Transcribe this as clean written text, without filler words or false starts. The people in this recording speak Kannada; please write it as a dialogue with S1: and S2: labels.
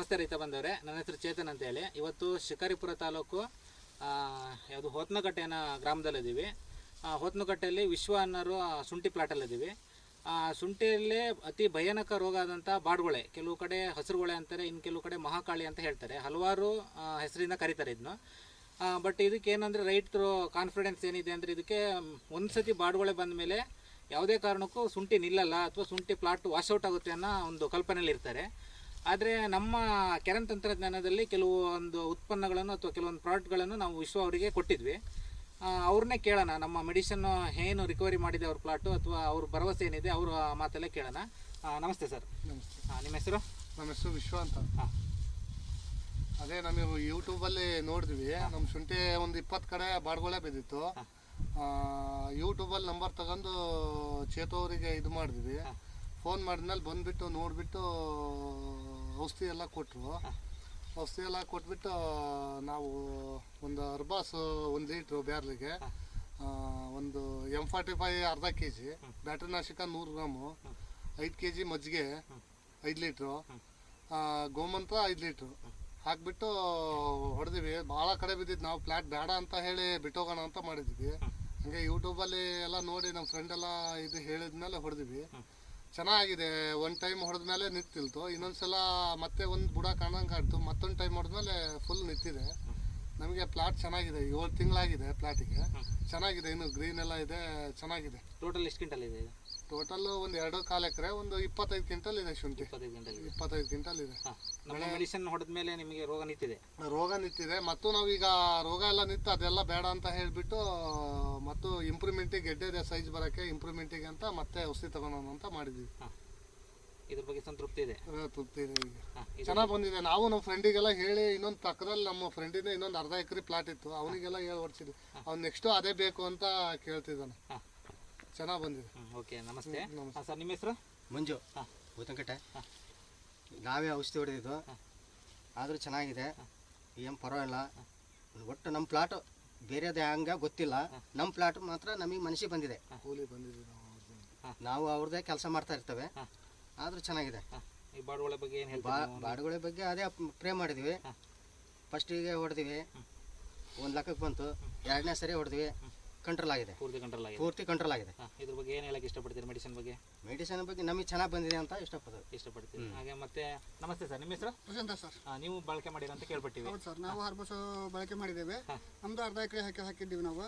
S1: ನಮಸ್ತೆ ರೈತ ಬಂದವರೇ, ನನ್ನ ಹೆಸರು ಚೇತನ್ ಅಂತ ಹೇಳಿ. ಇವತ್ತು ಶಿಕಾರಿಪುರ ತಾಲೂಕು ಯಾವುದು ಹೋತ್ನಕಟ್ಟೆನ ಗ್ರಾಮದಲ್ಲಿದ್ದೀವಿ. ಹೋತ್ನಕಟ್ಟೆಯಲ್ಲಿ ವಿಶ್ವ ಅನ್ನೋರು ಶುಂಠಿ ಪ್ಲಾಟಲ್ಲಿದ್ದೀವಿ. ಶುಂಠಿಯಲ್ಲಿ ಅತಿ ಭಯಾನಕ ರೋಗ ಆದಂಥ ಬಾಡುಗೊಳೆ, ಕೆಲವು ಕಡೆ ಹಸಿರುಗೊಳೆ ಅಂತಾರೆ, ಇನ್ನು ಕೆಲವು ಕಡೆ ಮಹಾಕಾಳಿ ಅಂತ ಹೇಳ್ತಾರೆ. ಹಲವಾರು ಹೆಸರಿಂದ ಕರೀತಾರೆ ಇದನ್ನು. ಬಟ್ ಇದಕ್ಕೆ ಏನಂದರೆ ರೈತರು ಕಾನ್ಫಿಡೆನ್ಸ್ ಏನಿದೆ ಅಂದರೆ, ಇದಕ್ಕೆ ಒಂದು ಸತಿ ಬಾಡುಗೊಳೆ ಬಂದ ಮೇಲೆ ಯಾವುದೇ ಕಾರಣಕ್ಕೂ ಶುಂಠಿ ನಿಲ್ಲಲ್ಲ ಅಥವಾ ಶುಂಠಿ ಪ್ಲಾಟ್ ವಾಶೌಟ್ ಆಗುತ್ತೆ ಅನ್ನೋ ಒಂದು ಕಲ್ಪನೆಯಲ್ಲಿ ಇರ್ತಾರೆ. ಆದರೆ ನಮ್ಮ ಕೆರೆನ್ ತಂತ್ರಜ್ಞಾನದಲ್ಲಿ ಕೆಲವೊಂದು ಉತ್ಪನ್ನಗಳನ್ನು ಅಥವಾ ಕೆಲವೊಂದು ಪ್ರಾಡಕ್ಟ್ಗಳನ್ನು ನಾವು ವಿಶ್ವ ಅವರಿಗೆ ಕೊಟ್ಟಿದ್ವಿ. ಅವ್ರನ್ನೇ ಕೇಳೋಣ, ನಮ್ಮ ಮೆಡಿಸನ್ ಏನು ರಿಕವರಿ ಮಾಡಿದೆ ಅವ್ರ ಪ್ಲಾಟು ಅಥವಾ ಅವ್ರ ಭರವಸೆ ಏನಿದೆ ಅವ್ರ ಮಾತಲ್ಲೇ ಕೇಳೋಣ. ನಮಸ್ತೆ ಸರ್.
S2: ನಮಸ್ತೆ.
S1: ನಿಮ್ಮ ಹೆಸರು?
S2: ನಮ್ಮ ಹೆಸರು ವಿಶ್ವ ಅಂತ. ಅದೇ ನಮಗೆ ಯೂಟ್ಯೂಬಲ್ಲಿ ನೋಡಿದ್ವಿ, ನಮ್ಮ ಶುಂಠಿ ಒಂದು 20 ಕಡೆ ಬಾಡುಗೊಳೆ ಬಿದ್ದಿತ್ತು. ಯೂಟ್ಯೂಬಲ್ಲಿ ನಂಬರ್ ತಗೊಂಡು ಚೇತು ಅವರಿಗೆ ಇದು ಮಾಡಿದ್ವಿ. ಫೋನ್ ಮಾಡಿದ್ಮೇಲೆ ಬಂದುಬಿಟ್ಟು ನೋಡಿಬಿಟ್ಟು ಔಷಧಿ ಎಲ್ಲ ಕೊಟ್ಟರು. ಔಷಧಿ ಎಲ್ಲ ಕೊಟ್ಬಿಟ್ಟು ನಾವು ಒಂದು ಅರ್ಬಾಸ್ 1 ಲೀಟ್ರು ಬ್ಯಾರ್ಲಿಗೆ, ಒಂದು M45 ಅರ್ಧ kg, ಬ್ಯಾಟ್ರಿನಾಶಕ 100 ಗ್ರಾಮು, 5 kg ಮಜ್ಜಿಗೆ 5 ಲೀಟ್ರು, ಗೋಮಂತ್ರ 5 ಲೀಟ್ರು ಹಾಕ್ಬಿಟ್ಟು ಹೊಡೆದಿವಿ. ಭಾಳ ಕಡೆ ಬಿದ್ದಿದ್ದು, ನಾವು ಪ್ಲಾಟ್ ಬೇಡ ಅಂತ ಹೇಳಿ ಬಿಟ್ಟೋಗೋಣ ಅಂತ ಮಾಡಿದ್ವಿ. ಹಂಗೆ ಯೂಟ್ಯೂಬಲ್ಲಿ ಎಲ್ಲ ನೋಡಿ ನಮ್ಮ ಫ್ರೆಂಡ್ ಎಲ್ಲ ಇದು ಹೇಳಿದ್ಮೇಲೆ ಹೊಡೆದಿವಿ. ಚೆನ್ನಾಗಿದೆ. ಒಂದು ಟೈಮ್ ಹೊಡೆದ್ಮೇಲೆ ನಿಂತಿಲ್ತು, ಇನ್ನೊಂದ್ಸಲ ಮತ್ತೆ ಒಂದು ಬುಡ ಕಾಣಂಗೆ ಆಡ್ತು, ಮತ್ತೊಂದು ಟೈಮ್ ಹೊಡೆದ್ಮೇಲೆ ಫುಲ್ ನಿಂತಿದೆ. ನಮಗೆ ಪ್ಲಾಟ್ ಚೆನ್ನಾಗಿದೆ, 7 ತಿಂಗಳಾಗಿದೆ ಪ್ಲಾಟಿಗೆ. ಚೆನ್ನಾಗಿದೆ, ಇನ್ನು ಗ್ರೀನ್ ಎಲ್ಲ ಇದೆ, ಚೆನ್ನಾಗಿದೆ.
S1: ಟೋಟಲ್ ಎಷ್ಟು ಕ್ವಿಂಟಲ್ ಇದೆ?
S2: ಟೋಟಲ್ ಒಂದು 2.25 ಎಕರೆ, ಒಂದು 25 ಕ್ವಿಂಟಲ್ ಇದೆ ಶುಂಠಿ. 25 ಕ್ವಿಂಟಲ್ ಇದೆ.
S1: ನಮ್ಮ ಮೆಡಿಸಿನ್ ಹೊಡೆದ ಮೇಲೆ ನಿಮಗೆ ರೋಗ ನಿಂತಿದೆ?
S2: ರೋಗ ನಿಂತಿದೆ. ಮತ್ತು ನಾವೀಗ ರೋಗ ಎಲ್ಲ ನಿಂತು ಅದೆಲ್ಲ ಬೇಡ ಅಂತ ಹೇಳಿಬಿಟ್ಟು ಮತ್ತು ಇಂಪ್ರೂವ್ಮೆಂಟಿಗೆ, ಗೆಡ್ಡೆ ಸೈಜ್ ಬರೋಕ್ಕೆ ಇಂಪ್ರೂವ್ಮೆಂಟಿಗೆ ಅಂತ ಮತ್ತೆ ಔಷಧಿ ತಗೊಳೋಣ ಅಂತ ಮಾಡಿದ್ವಿ.
S1: ಇದ್ರ ಬಗ್ಗೆ ಸಂತೃಪ್ತಿ ಇದೆ?
S2: ತೃಪ್ತಿ ಇದೆ. ಈಗ ಚೆನ್ನಾಗಿ ಬಂದಿದೆ. ನಾವು ನಮ್ಮ ಫ್ರೆಂಡಿಗೆಲ್ಲ ಹೇಳಿ, ಇನ್ನೊಂದು ಪಕ್ಕದಲ್ಲಿ ನಮ್ಮ ಫ್ರೆಂಡಿನ ಇನ್ನೊಂದು ಅರ್ಧ ಎಕರೆ ಪ್ಲಾಟ್ ಇತ್ತು, ಅವನಿಗೆಲ್ಲ ಹೇಳಿ ಹೊಡ್ಸಿದ್ವಿ. ಅವ್ನು ನೆಕ್ಸ್ಟು ಅದೇ ಬೇಕು ಅಂತ ಕೇಳ್ತಿದ್ದಾನೆ. ಚೆನ್ನಾಗಿ ಬಂದಿದೆ.
S1: ಓಕೆ, ನಮಸ್ತೆ ಸರ್. ನಿಮ್ಮ ಹೆಸರು?
S3: ಮಂಜು, ಹೋತ್ನಕಟ್ಟೆ. ನಾವೇ ಔಷಧಿ ಹೊಡೆದಿದ್ದು, ಆದರೂ ಚೆನ್ನಾಗಿದೆ, ಏನು ಪರವಾಗಿಲ್ಲ. ಒಟ್ಟು ನಮ್ಮ ಪ್ಲಾಟು ಬೇರೆದೇ ಹಂಗೆ ಗೊತ್ತಿಲ್ಲ, ನಮ್ಮ ಪ್ಲಾಟ್ ಮಾತ್ರ ನಮಗೆ ಮನಸ್ಸಿಗೆ ಬಂದಿದೆ.
S2: ಕೂಲಿ ಬಂದಿದೆ.
S3: ನಾವು ಅವ್ರದ್ದೇ ಕೆಲಸ ಮಾಡ್ತಾ ಇರ್ತೇವೆ, ಆದರೂ ಚೆನ್ನಾಗಿದೆ.
S1: ಈ ಬಾಡುಗೊಳೆ ಬಗ್ಗೆ ಏನು ಹೇಳ್ತೀರಾ?
S3: ಬಾಡುಗೊಳೆ ಬಗ್ಗೆ ಅದೇ ಪ್ರೇ ಮಾಡಿದ್ವಿ. ಫಸ್ಟಿಗೆ ಹೊಡೆದ್ವಿ, 1 ಲಕ್ಷಕ್ಕೆ ಬಂತು. 2ನೇ ಸರಿ ಹೊಡೆದ್ವಿ, ಕಂಟ್ರೋಲ್ ಆಗಿದೆ. ಪೂರ್ತಿ ಕಂಟ್ರೋಲ್ ಆಗಿದೆ.
S1: ಇದ್ರ ಬಗ್ಗೆ ಏನು ಹೇಳಕ್ಕೆ ಇಷ್ಟಪಡ್ತೀರಿ? ಮೆಡಿಸಿನ್ ಬಗ್ಗೆ
S3: ನಮಗೆ ಚೆನ್ನಾಗಿ ಬಂದಿದೆ ಅಂತ ಇಷ್ಟಪಡ್ತೀವಿ.
S1: ಹಾಗೆ ಮತ್ತೆ ನಮಸ್ತೆ ಸರ್. ನಿಮ್ಮ ಹೆಸರು?
S4: ಪ್ರಶಾಂತ ಸರ್.
S1: ನೀವು ಬಳಕೆ ಮಾಡಿರ ಅಂತ ಕೇಳ್ಬಿಟ್ಟಿವಿ.
S4: ಹೌದು ಸರ್, ನಾವು ಹರ್ಬಸ್ ಬಳಕೆ ಮಾಡಿದ್ದೇವೆ. ನಮ್ದು ಅರ್ಧ ಎಕರೆ ಹಾಕಿದ್ದೀವಿ ನಾವು.